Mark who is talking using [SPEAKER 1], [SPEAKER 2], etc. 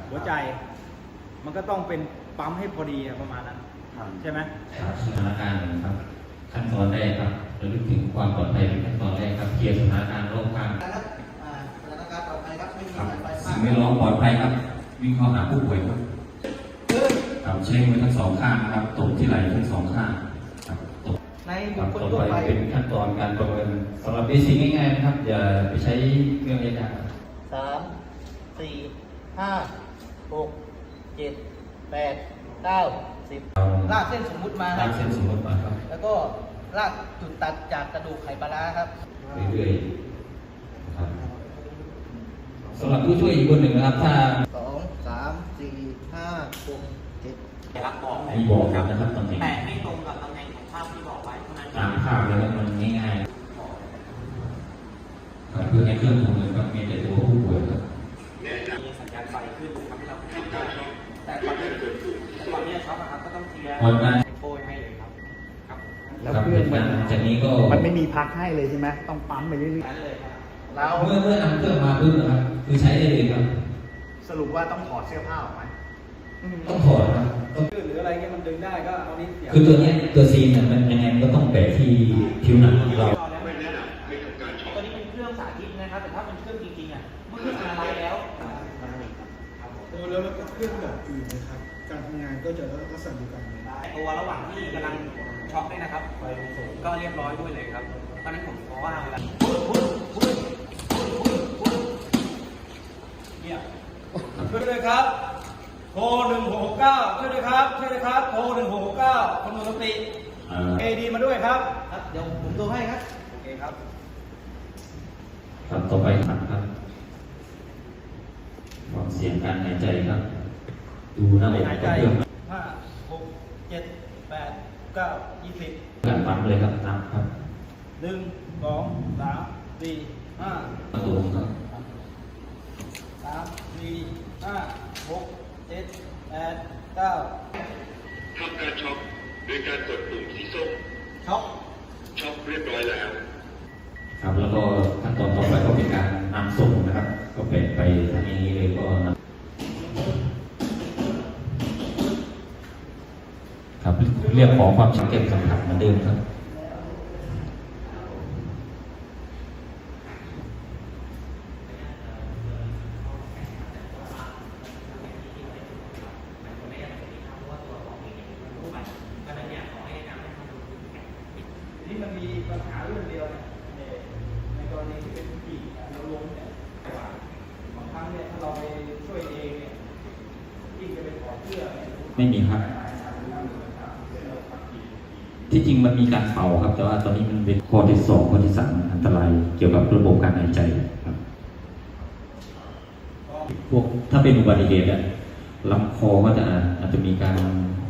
[SPEAKER 1] หัวใจมันก็ต้องเป็นปั๊มให้พอดีประมาณนั้นใช่ไหม
[SPEAKER 2] ครับสถานการณ์นะครับขั้นตอนแรกครับระลึกถึงความปลอดภัยเป็นขั้นตอนแรกครับเคลียร์สถานการณ์รอบข้าง
[SPEAKER 3] ครับสถานการณ์ปลอดภัยครับไม่มี
[SPEAKER 2] ครับ
[SPEAKER 3] สายไฟ
[SPEAKER 2] สิ่งแวดล้อมปลอดภัยครับวิ่งเข้าหาผู้ป่วยครับครับใช้มือทั้งสองข้างนะครับตบที่ไหล่ทั้งสองข้างครับตบ
[SPEAKER 3] ใน
[SPEAKER 2] ค
[SPEAKER 3] บุ
[SPEAKER 2] รั
[SPEAKER 3] ค
[SPEAKER 2] บ
[SPEAKER 3] คล
[SPEAKER 2] ต่อ
[SPEAKER 3] ทั่ว
[SPEAKER 2] ไป
[SPEAKER 3] ไป
[SPEAKER 2] เป็นขั้นตอนการประเมินสำหรับเบสิกง่ายๆนะครับอย่าไปใช้เครื่องยากๆ
[SPEAKER 3] 3 4 5 6 7 8 9 10ลากเส้นสมมุติมาค
[SPEAKER 2] ลา
[SPEAKER 3] รับ
[SPEAKER 2] กเส้นสมมติมาครับ
[SPEAKER 3] แล้วก็ลากจุดตัดจากกระดูกไขปลาร้าครับ
[SPEAKER 2] เรื่อยๆนะครับสำหรับผู้ช่วยอีกคนหนึ่งนะครับถ้า
[SPEAKER 3] 2 3 4 5 6 7
[SPEAKER 4] รักบอก
[SPEAKER 2] มีบอกครับนะครับตำแหน่ง
[SPEAKER 4] แต่ให้ตรงกับตำแหน่งของภาพที่บอกไว้เท่านั้น
[SPEAKER 2] ตามภาพเลยครับมันง่ายๆครับเพื่อให้เครื่องทำงานครับมีแต่ตัวผู้ป่วยครับ
[SPEAKER 4] มีสัญญาณไฟขึ้นทำให้เราทำได้แต่ตอนนี้ช็อปนะครับก็ต้องเคลียร์
[SPEAKER 2] พอได้
[SPEAKER 4] โปรยให้เลยครับครับ
[SPEAKER 5] แล้ว
[SPEAKER 2] ครับ
[SPEAKER 5] เครื่องมัน
[SPEAKER 2] จากนี้ก็
[SPEAKER 5] มันไม่มีพักให้เลยใช่ไหมต้องปั๊มไปเรื่อย
[SPEAKER 4] นั้นเลยครับ
[SPEAKER 3] เรา
[SPEAKER 2] เมื่อนำเครื่องมาปุ๊บนะครับคือใช้ได้เลยครับ
[SPEAKER 5] ๆสรุปว่าต้องถอดเสื้อผ้าออกไหม
[SPEAKER 2] ต้องถอดครับต้อง
[SPEAKER 1] หรืออะไรเงี้ยมันดึงได้ก็เอานี้เสียบ
[SPEAKER 2] คือตัวเนี้ยตัวซีนเนี่ยมันยังไงมันก็ต้องแปะที่ผิวหนังของเรา
[SPEAKER 4] ไม่แนะนำให้ทำการช็อปตัวนี้เป็นเครื่องสาธิตนะครับ แต่ถ้าเป็นเครื่องจริงๆอ่ะเมื่อเครื่องอะไรแล้ว
[SPEAKER 6] แล้วก็เครื่องแบบอื่นนะครับ การทำงานก็จะลักษณะเดียวกันไหม
[SPEAKER 4] ตัวระหว่างที่กำลังช็อปเนี่ยนะครับ ก็เรียบร้อยด้วยเลยครับตอนนั้นผมขอว่าเวลาเนี่ยช่วยด้วยครับโทร1669ช่วยด้วยครับช่วยด้วยครับโทร1669คนหมดสติเอดีมาด้วยครับ
[SPEAKER 3] ครับเดี๋ยวผมดูให้ครับ
[SPEAKER 4] โอเคครับ
[SPEAKER 2] ครับต่อไปครับฟังเสียงการหายใจครับ ดูหน้าอก
[SPEAKER 1] หาย
[SPEAKER 2] ก
[SPEAKER 1] ใจ
[SPEAKER 2] ระเพื่อม
[SPEAKER 1] 5 6 7 8 9 20
[SPEAKER 2] การปั๊มเลยครับนับครับ
[SPEAKER 1] 1 2 3 4 5
[SPEAKER 2] ประตูครับ
[SPEAKER 1] 3 4 5 6 7 8 9
[SPEAKER 7] ทำการช็อปโดยการกดปุ่มสีส้ม
[SPEAKER 1] ช็อป
[SPEAKER 7] ช็อปเรียบร้อยแล้ว
[SPEAKER 2] ครับแล้วก็ขั้นตอนต่อไปก็เป็นการนำส่งนะครับ ก็เป็นไปทางนี้เลยก็นำครับเรียกขอความชัดเจนสัมผัสเหมือนเดิมครับ
[SPEAKER 1] นี่มันมีปัญหาเรื่องเดียวนะในกรณีที่เป็นผู้หญิงเราล้มเนี่ยบางครั้งเนี่ยถ้าเราไปช่วยเองเนี่ยยิ่งจะไปถอดเสื้อเนี่ย
[SPEAKER 2] ไม่มีครับ ที่จริงมันมีการเป่าครับ แต่ว่าตอนนี้มันเป็นข้อที่2ข้อที่3อันตรายเกี่ยวกับระบบการหายใจครับ พวกถ้าเป็นอุบัติเหตุอะลำคอก็จะอาจจะมีการ